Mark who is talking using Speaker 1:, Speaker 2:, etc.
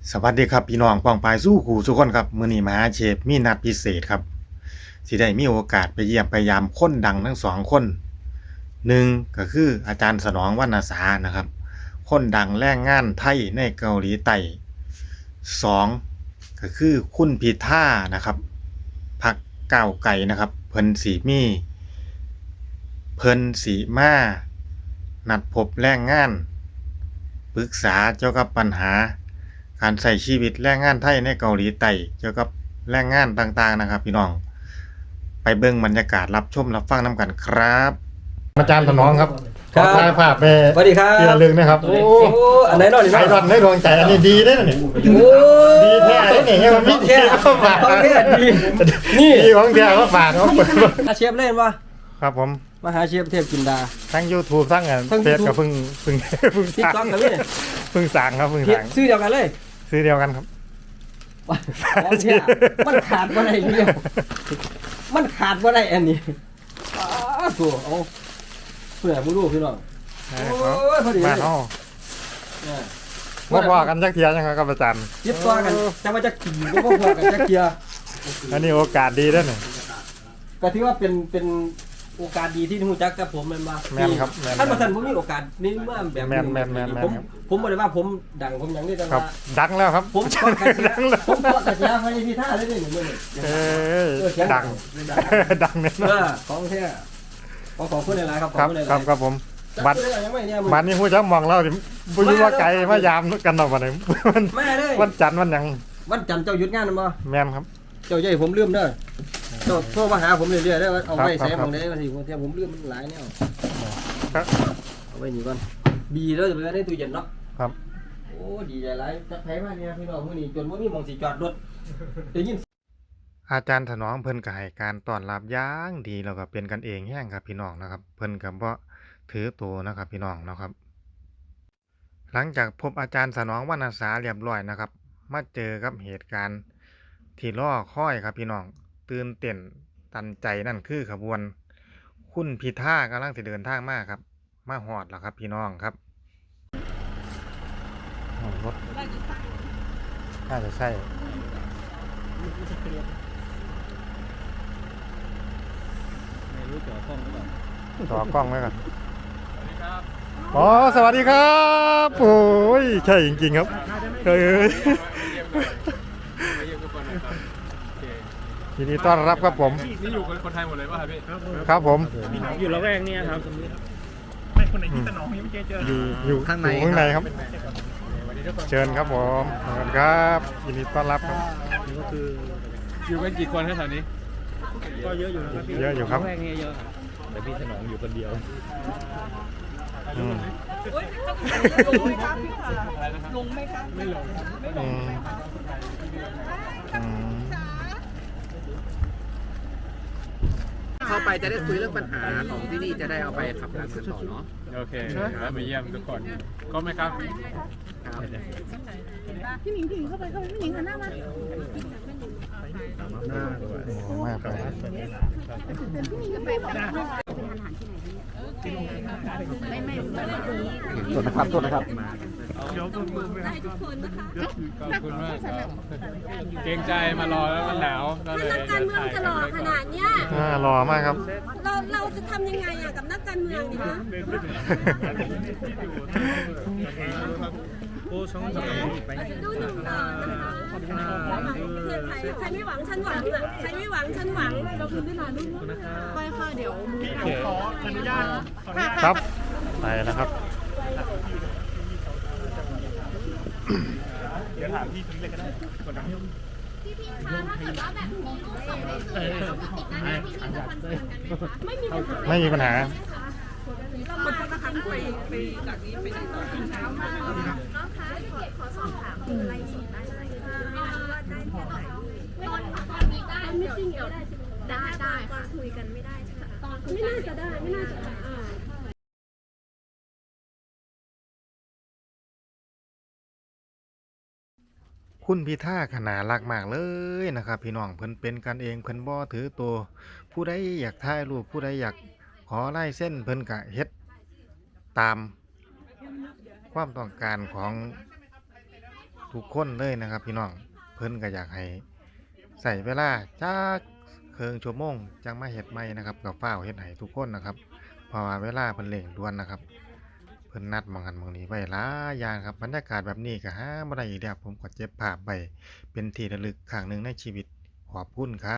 Speaker 1: สวัสดีครับพี่น้องป้องปายสู้ขู่ทุกคนครับมื้อนี้มหาเชฟมีนัดพิเศษครับสิได้มีโอกาสไปเยี่ยมพยายามคนดังทั้งสองคนหนึ่งก็คืออาจารย์สนองวรรณสานะครับคนดังแรงงานไทยในเกาหลีใต้สองก็คือคุณพิธานะครับพรรคก้าวไกลนะครับเพิ่นสีมานัดพบแรงงานปรึกษาเกี่ยวกับปัญหาการใช้ชีวิตแรงงานไทยในเกาหลีใต้เกี่ยวกับแรงงานต่างๆนะครับพี่น้องไปเบิ่งบรรยากาศรับชมรับฟังน้ำกันครับอาจารย์ถนอมครับขอถ่ายภาพไป
Speaker 2: สวัสดีครับ
Speaker 1: ที่ระลึกนะครับโอ้
Speaker 2: โอ้อันไหนหน่อยดิ
Speaker 1: ไอรอนได้ดวงใจอันนี้ดีได้อนี่
Speaker 2: โอ้
Speaker 1: ดีแท้เลยนี่ให้มันมี
Speaker 2: แค่
Speaker 1: เข้าฝาก
Speaker 2: ของแท้ดี
Speaker 1: นี่ดีของแท้เขาฝากเขาเปิด
Speaker 2: อาเชฟเล่นวะ
Speaker 1: ครับผม
Speaker 2: มาหาเชฟเทพจินดา
Speaker 1: ทั้ง YouTube ทั้ง
Speaker 2: ทั้ง
Speaker 1: เฟซ
Speaker 2: YouTube
Speaker 1: กับเพิ่ง
Speaker 2: ติ๊ก
Speaker 1: สั่ง
Speaker 2: ต็อกกับพี่เนี่ย
Speaker 1: เพิ่งสั่งครับเพิ่ง
Speaker 2: เฮ็ด
Speaker 1: สั่ง
Speaker 2: ซื้อเดียวกันเลย
Speaker 1: ซื้อเดียวกันครับ
Speaker 2: ของแท้มันขาดบ่ได้เดียวมันขาดบ่ได้อันนี้อ้าวโถ่เอาเพื่อผู้รู้พี่น้อง โอ้ยพอดีเลย
Speaker 1: มาเฮา
Speaker 2: เนี่ย
Speaker 1: บ่พอกันจักเที่ยจังครับอาจารย์
Speaker 2: เย็บตัวกันจะมาจะขี่ก็พอกันจะเคลียร์
Speaker 1: อันนี้โอกาสดีเด้อนี่
Speaker 2: ก็ถือว่าเป็นโอกาสดีที่ฮู้จักกับผมแม่นบ่
Speaker 1: แม่นครับแม่น
Speaker 2: ท่านประธานผมมีโอกาสนี้มาแบบ
Speaker 1: แม่นแม่นแม่น
Speaker 2: ผม
Speaker 1: ครับ
Speaker 2: ผมบ่ได้ว่าผมดังผมหยังนี่แต่
Speaker 1: ครั
Speaker 2: ว่า
Speaker 1: บดังแล้วครับ
Speaker 2: ผมก็กระเสีย
Speaker 1: ดังแล้ว
Speaker 2: ผมก็กระเสียไปที่ท่าเลยนี่มื้อนี้
Speaker 1: เอ้ย
Speaker 2: เสีย
Speaker 1: ดังดังแน่นอ
Speaker 2: เอน อของแท้ขอบคุณหลายๆครับข
Speaker 1: ค
Speaker 2: อ
Speaker 1: รั
Speaker 2: บบ คุณหลายๆ
Speaker 1: ครับครับผมบัตร
Speaker 2: ยังไม่เนี่ย
Speaker 1: บัตรนี้ฮู้จักมองเราสิบ่อยู่ว่าไกลมายามกันดอกบัดนี้มัน
Speaker 2: ไม่เลย
Speaker 1: วันจันทร์วันหยัง
Speaker 2: วันจันทร์เจ้าหยุดงานบ่
Speaker 1: แม่นครับ
Speaker 2: เจ้าใหญ่ผมลืมเด้อเจ้าโทรมาหาผมเรื่อยๆได้ว่าเอาไว้
Speaker 1: ครับ
Speaker 2: ใส่
Speaker 1: ครับ
Speaker 2: บางได้บางทีบางทีผมลืมมันหลายแนว
Speaker 1: ครับ
Speaker 2: เอาไว้นี่ก่อนบีแล้วจะไปไว้ในตู้เย็นเนาะ
Speaker 1: ครับ
Speaker 2: โอ้ดีใจหลายจักไผมาเนี่ยพี่น้องมื้อนี้จนบ่มีหม่องสิจอดรถได้ยิน
Speaker 1: อาจารย์ถนอมเพิ่นก็ให้การต้อนรับอย่างดีแล้วก็เป็นกันเองแฮงครับพี่น้องนะครับ เพิ่นก็บ่ถือตัวนะครับพี่น้องนะครับ หลังจากพบอาจารย์สนองวรรณสาเรียบร้อยนะครับ มาเจอกับเหตุการณ์ที่รอคอยครับพี่น้องตื่นเต้นตันใจนั่นคือขบวนคุณพิธากำลังสิเดินทางมาครับ มาฮอดแล้วครับพี่น้องครับรถน่าจะใช่ต่อกล้องไว้ก่อนอ๋อสวัสดีครับโอ้ยใช่จริงๆครับเอ้ยยินดีต้อนรับครับผม
Speaker 3: นี่อยู่คนไทยหมดเลยป่ะครับพี่
Speaker 1: ครับผม
Speaker 3: อยู่ละแวกนี้ครับ
Speaker 1: อยู่ข้างในครับ เชิญครับผมขอบคุณครับยินดีต้อนรับครับ
Speaker 3: อยู่กันกี่คนครับแถวนี้
Speaker 1: เยอะอยู่ครับ
Speaker 3: แวกนี้เยอะแต่พี่ถนอมอยู่คนเดียว
Speaker 1: อืม
Speaker 4: ลงไหมคะ
Speaker 3: ไม่ลง
Speaker 1: อืมอืม
Speaker 5: เข้าไปจะได้คุยเรื่องปัญหาของที่นี่จะได้เอาไปขับเคลื่อนกันต่อเนาะ
Speaker 3: โอเคแล้วมาเยี่ยมทุกคนก็ไหมครับ
Speaker 4: พี่หนิงถึงเข้าไปพี่หนิงหันหน้ามา
Speaker 1: โอ้มากไป
Speaker 2: โทษนะครับโทษนะครับ
Speaker 3: ขอบคุณมากครับเกรงใจมารอแล้วมันหนาวก็เลย
Speaker 6: นักการเมืองจะหล่อขนาดเนี้ย
Speaker 1: หล่อมากครับ
Speaker 6: เราจะทำยังไงอะกับนักการเมืองเนี่ยนะดูหนึ่งต่อนะคะใครไม่หวังฉันหวังอะใครไม่หวังฉันหวังเราคืนได้นานลูกค่อยๆเดี๋ยวมือ
Speaker 3: ขออนุญาต
Speaker 1: ครับไปแล้วครับ ไม่มีปัญหา
Speaker 4: มันจะทำไปจากนี้ไปไหนต่อเช้ามาก
Speaker 6: น้องคะขอสอบถามอะไรสดได้ไหมว่าได้แค่ไหนตอนนี้ได้ไม่จริงเดี๋ยวได้ตอนคุยกันไม่ได้ใช่ไหมตอนไม่น่าจะได้ไม่น่าจะได้
Speaker 1: คุณพิธาขนารักมากเลยนะครับ พี่น้องเพิ่นเป็นกันเองเพิ่นบ่ถือตัวผู้ใดอยากถ่ายรูปผู้ใดอยากขอลายเส้นเพิ่นก็เฮ็ดตามความต้องการของทุกคนเลยนะครับ พี่น้องเพิ่นก็อยากให้ใส่เวลาจักครึ่งชั่วโมงจังมาเฮ็ดใหม่นะครับก็ฟ้าวเฮ็ดให้ทุกคนนะครับเพราะว่าเวลาเพิ่นเร่งด่วนนะครับ เพิ่นนัดหม้องหันหม้องนี้ไว้หลายอย่างครับบรรยากาศแบบนี้ก็หาบ่ได้อีกแล้วผมก็เก็บภาพไว้เป็นที่ระลึกครั้งหนึ่งในชีวิตขอบคุณครับ